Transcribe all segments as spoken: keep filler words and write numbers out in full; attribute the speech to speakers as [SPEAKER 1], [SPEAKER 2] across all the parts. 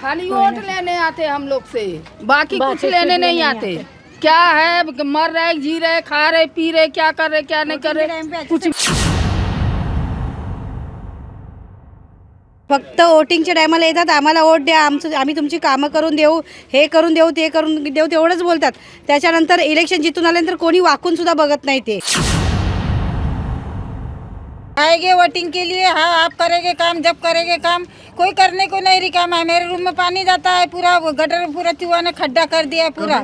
[SPEAKER 1] खाली वोट लेने आते हम लोग से, बाकी कुछ लेने नहीं आते। क्या है, मर रहे, जी रहे, खा रहे, पी रहे, क्या कर रहे, क्या नहीं कर रहे, कुछ।
[SPEAKER 2] फक्त वोटिंगच्या टायमाला येतात, आम्हाला वोट द्या, आमचं आम्ही तुमची कामं करून देऊ, हे करून देऊ, ते करून देऊ, तेवढंच बोलतात। त्याच्यानंतर इलेक्शन जितून आल्यानंतर कोणी वाकून सुद्धा बघत नाही। ते
[SPEAKER 3] आएंगे वोटिंग के लिए, हाँ आप करेंगे काम, जब करेंगे काम, कोई करने को नहीं रिकाम है। मेरे रूम में पानी जाता है पूरा, वो गटर पूरा चूहा ने खड्डा कर दिया है पूरा।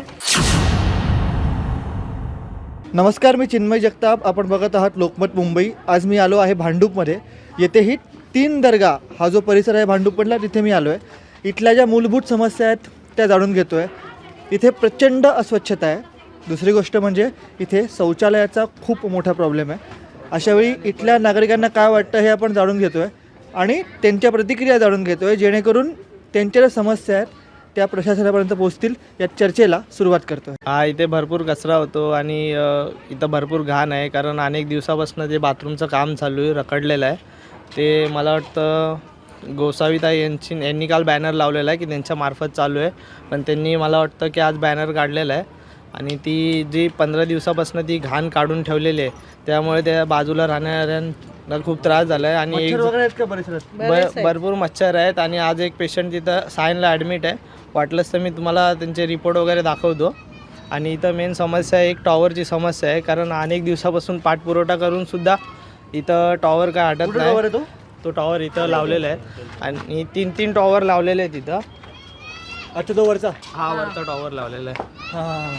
[SPEAKER 4] नमस्कार, मी चिन्मय जगताप, आपण बघत आहात लोकमत मुंबई। आज मी आलो आहे भांडूपमध्ये। येथेही तीन दर्गा हा जो परिसर आहे भांडूपमधला, तिथे मी आलो आहे। इथल्या ज्या मूलभूत समस्या आहेत त्या जाणून घेतो आहे। इथे प्रचंड अस्वच्छता आहे। दुसरी गोष्ट म्हणजे इथे शौचालयाचा खूप मोठा प्रॉब्लेम आहे। अशावेळी इथल्या नागरिकांना काय वाटतं हे आपण जाणून घेतो आहे आणि त्यांच्या प्रतिक्रिया जाणून घेतो आहे, जेणेकरून त्यांच्या ज्या समस्या आहेत त्या प्रशासनापर्यंत पोहोचतील या चर्चेला सुरुवात करतो आहे।
[SPEAKER 5] हा, इथे भरपूर कचरा होतो आणि इथं भरपूर घाण आहे, कारण अनेक दिवसापासून जे बाथरूमचं काम चालू आहे, रखडलेलं आहे। ते मला वाटतं गोसावीताई यांची यांनी काल बॅनर लावलेला आहे की त्यांच्या मार्फत चालू आहे, पण त्यांनी मला वाटतं की आज बॅनर काढलेला आहे आणि ती जी पंधरा दिवसापासून ती घाण काढून ठेवलेली आहे, त्यामुळे त्या बाजूला राहणाऱ्यांना खूप त्रास झाला आहे आणि
[SPEAKER 4] मच्छर वगैरे आहेत का परिसरात?
[SPEAKER 5] भरपूर मच्छर आहेत आणि आज एक पेशंट तिथं सायनला ॲडमिट आहे। वाटलंच तर मी तुम्हाला त्यांचे रिपोर्ट वगैरे दाखवतो। आणि इथं मेन समस्या आहे, एक टॉवरची समस्या आहे, कारण अनेक दिवसापासून पाठपुरवठा करून सुद्धा इथं टॉवर काय हटत नाही।
[SPEAKER 4] तो
[SPEAKER 5] तो टॉवर इथं लावलेला आहे आणि तीन तीन टॉवर लावलेले आहेत इथं।
[SPEAKER 4] अच्छा, तो वरचा?
[SPEAKER 5] हा, वरचा टॉवर लावलेला आहे।
[SPEAKER 4] हां,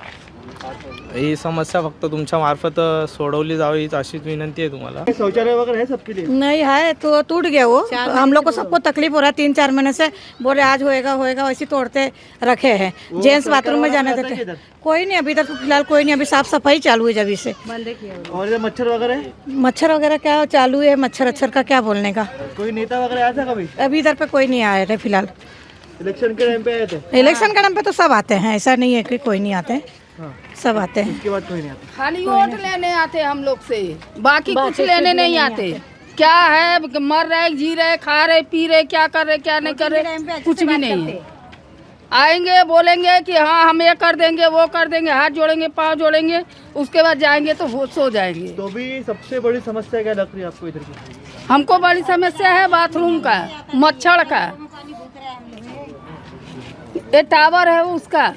[SPEAKER 5] ही समस्या फक्त तुमच्या मार्फत सोडवली जावी हीच अशीच विनंती आहे तुम्हाला।
[SPEAKER 4] शौचालय वगैरह है सबके लिए?
[SPEAKER 2] नहीं है, तो टूट गया वो। हम लोग को सबको तकलीफ हो रहा है, तीन चार महीने से बोले आज होएगा होएगा, वैसे तोड़ते रखे हैं। जेंट्स बाथरूम में जाने देते हैं, कोई नहीं अभी तक, फिलहाल कोई नहीं। अभी साफ सफाई चालू है जब से बंद किया।
[SPEAKER 4] और ये मच्छर वगैरह है?
[SPEAKER 2] मच्छर वगैरह क्या चालू है, मच्छर अच्छर का क्या बोलने का।
[SPEAKER 4] कोई नेता वगैरह आया था कभी?
[SPEAKER 2] अभी इधर पे कोई नहीं आए थे फिलहाल।
[SPEAKER 4] इलेक्शन के टाइम पे आए थे?
[SPEAKER 2] इलेक्शन के टाइम पे तो सब आते हैं, ऐसा नहीं है कि कोई नहीं आते,
[SPEAKER 4] हाँ।
[SPEAKER 2] सब आते हैं।
[SPEAKER 4] उसके बाद कोई नहीं आता?
[SPEAKER 1] खाली वोट लेने आते हम लोग से, बाकी कुछ लेने नहीं आते। क्या है, मर रहे, जी रहे, खा रहे, पी रहे, क्या कर रहे, क्या नहीं कर रहे, कुछ भी नहीं है। आएंगे बोलेंगे कि हाँ हम ये कर देंगे, वो कर देंगे, हाथ जोड़ेंगे, पाँव जोड़ेंगे, उसके बाद जाएंगे तो वो सो जाएंगे।
[SPEAKER 4] तो भी सबसे बड़ी समस्या क्या लग रही है आपको इधर की?
[SPEAKER 1] हमको बड़ी समस्या है बाथरूम का, मच्छर का, ये टावर है उसका।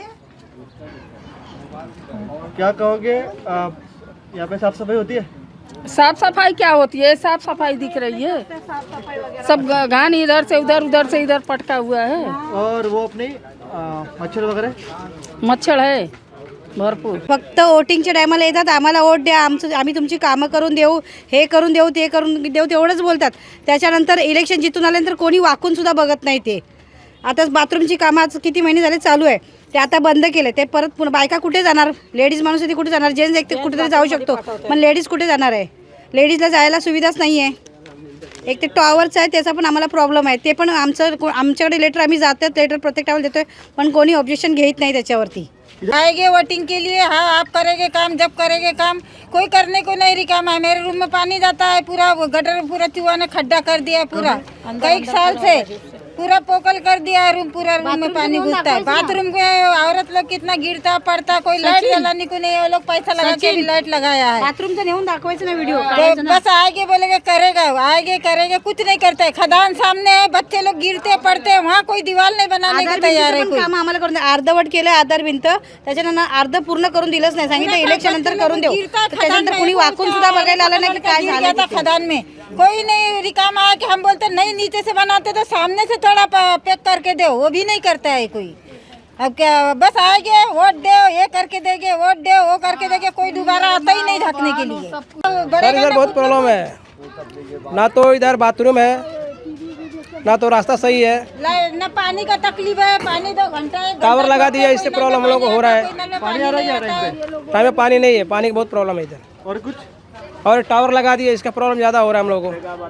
[SPEAKER 4] क्या कहोगे, आप यहाँ पे साफ सफाई होती है?
[SPEAKER 1] साफ सफाई क्या होती है, साफ सफाई दिख रही है, सब घान इधर से उधर, उधर से इधर पटका हुआ है।
[SPEAKER 4] और वो अपने आ, मच्छर वगैरह?
[SPEAKER 1] मच्छर है भरपूर।
[SPEAKER 2] फक्त वोटिंगच्या टायमाला येतात, आम्हाला वोट द्या, आमचं आम्ही तुमची कामं करून देऊ, हे करून देऊ, ते करून देऊ, तेवढंच बोलतात। त्याच्यानंतर इलेक्शन जितून आल्यानंतर कोणी वाकून सुद्धा बघत नाही। ते आता बाथरूमची कामं आज किती महिने झाले चालू आहे, ते आता बंद केले। ते परत पुन्हा बायका कुठे जाणार? लेडीज माणूस आहे ती कुठे जाणार? जेंट्स एक कुठेतरी जाऊ शकतो, पण लेडीज कुठे जाणार आहे? लेडीजला जायला सुविधाच नाही आहे। एक ते टॉवरचं आहे, त्याचा पण आम्हाला प्रॉब्लेम आहे। ते पण आमचं आमच्याकडे लेटर आम्ही जातात, लेटर प्रत्येक टायमाला देतोय, पण कोणी ऑब्जेक्शन घेत नाही त्याच्यावरती।
[SPEAKER 3] आएंगे वोटिंग के लिए, हाँ आप करेंगे काम, जब करेंगे काम, कोई करने को नहीं रिकाम है। मेरे रूम में पानी जाता है पूरा, वो गटर पूरा चूहा ने खड्डा कर दिया है पूरा, कई साल से पूरा पोकल कर दिया है रूम, पूरा रूम में पानी घुसता है। बाथरूम में औरत लोग कितना गिरता पड़ता, कोई लाइट जलाने को नहीं है, वो लोग पैसा लगा के भी लाइट लगाया है।
[SPEAKER 2] बाथरूमचं नेऊन दाखवायचं ना व्हिडिओ,
[SPEAKER 3] तो बस आएंगे बोलेंगे करेगा, आएंगे करेंगे, कुछ नहीं करता है। खदान सामने है, बच्चे लोग गिरते पडते हैं, वहाँ कोई दीवार नहीं बनाने को तैयार है। कोई
[SPEAKER 2] काम आम्हाला करून अर्धवट केलं, आधार भिंत, त्याच्यानंतर अर्ध पूर्ण करून दिलंच नाही, सांगितलं इलेक्शन नंतर करून देऊ। त्याच्यानंतर कोणी वाकून सुद्धा बघायला आलं नाही की काय झालं।
[SPEAKER 3] खदान में कोई नहीं रिकाम आया कि हम बोलते नहीं नीचे से बनाते तो सामने से थोड़ा पैक करके दो, वो भी नहीं करता है कोई। अब क्या बस आएंगे वोट दो, ये करके देंगे, वोट दो, वो करके देंगे, कोई दोबारा आता ही नहीं ढकने के लिए।
[SPEAKER 6] सर इधर बहुत प्रॉब्लम है, ना तो इधर बाथरूम है, ना तो रास्ता सही है,
[SPEAKER 3] न पानी का तकलीफ है, पानी दो घंटा
[SPEAKER 6] टावर लगा दिया, इससे प्रॉब्लम हम लोग को हो रहा है।
[SPEAKER 3] पानी आ रहा है
[SPEAKER 6] टाइम में पानी नहीं है, पानी की बहुत प्रॉब्लम है इधर।
[SPEAKER 4] और कुछ?
[SPEAKER 6] और टावर लगा दिया, इसका प्रॉब्लम ज़्यादा हो रहा है हम लोगों को।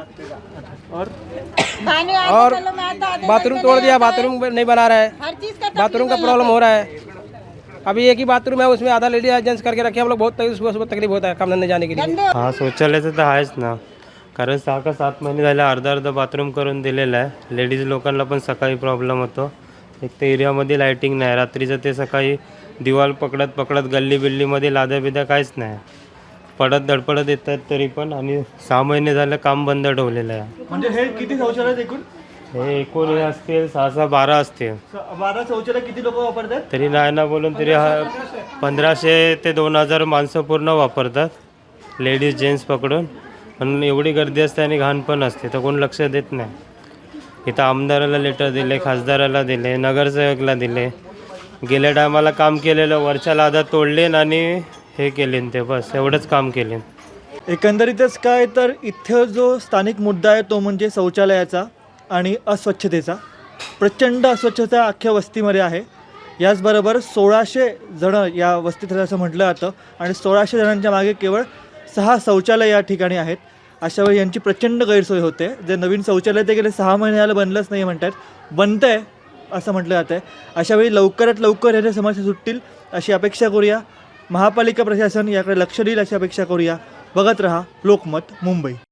[SPEAKER 4] और
[SPEAKER 6] और बाथरूम तोड़ दिया, बाथरूम नहीं बना रहा है,
[SPEAKER 3] हर चीज का
[SPEAKER 6] बाथरूम का प्रॉब्लम हो रहा है। अभी एक ही बाथरूम है, उसमें आधा लेडीज जेंट्स करके रखे, हम लोग बहुत सुबह सुबह तकलीफ होता है काम धंधे जाने के लिए।
[SPEAKER 7] हाँ शौचालय तो आहेच ना, कारण सहा का सात महिने झाले अर्धा अर्धा बाथरूम करून दिलेलं आहे. लेडीज लोकांना पण सकाळी प्रॉब्लेम होतो. एक तर एरियामध्ये लाईटिंग नाही, रात्रीचं ते सकाळी दिवाल पकडत पकडत गल्ली बिल्लीमध्ये लाद्या बिद्या काहीच नाही, पडत धडपडत येतात तरी पण. आणि सहा महिने झालं काम बंद ठेवलेलं आहे.
[SPEAKER 4] म्हणजे हे किती शौचालय आहेत एकूण?
[SPEAKER 7] हे एकूण हे असतील सहा सहा बारा असतील.
[SPEAKER 4] स- बारा शौचालय किती लोक वापरतात?
[SPEAKER 7] तरी नाही ना बोलून तरी हा पंधराशे ते दोन हजार माणसं पूर्ण वापरतात, लेडीज जेंट्स पकडून. पण एवढी गर्दी असते आणि घाण पण असते तर कोण लक्ष देत नाही. इथं आमदाराला लेटर दिले, खासदाराला दिले, नगरसेवकला दिले. गेल्या टायमाला काम केलेलं वरच्या लादा तोडले आणि हे केले ते, बस एवढंच काम केले.
[SPEAKER 4] एकंदरीतच काय तर इथं जो स्थानिक मुद्दा आहे तो म्हणजे शौचालयाचा आणि अस्वच्छतेचा. प्रचंड अस्वच्छता अख्ख्या वस्तीमध्ये आहे. याचबरोबर सोळाशे जणं या वस्तीत राहतात असं म्हटलं जातं आणि सोळाशे जणांच्या मागे केवळ सहा शौचालय या ठिकाणी आहेत. अशावेळी यांची प्रचंड गैरसोय होते. जे नवीन शौचालय ते गेले सहा महिने झालं बनलंच नाही म्हणतात, बनतं आहे असं म्हटलं जातं आहे. अशावेळी लवकरात लवकर याच्या समस्या सुटतील अशी अपेक्षा करूया. महापालिका प्रशासन याकडे लक्ष देईल अशी अपेक्षा करूया. बघत रहा लोकमत मुंबई.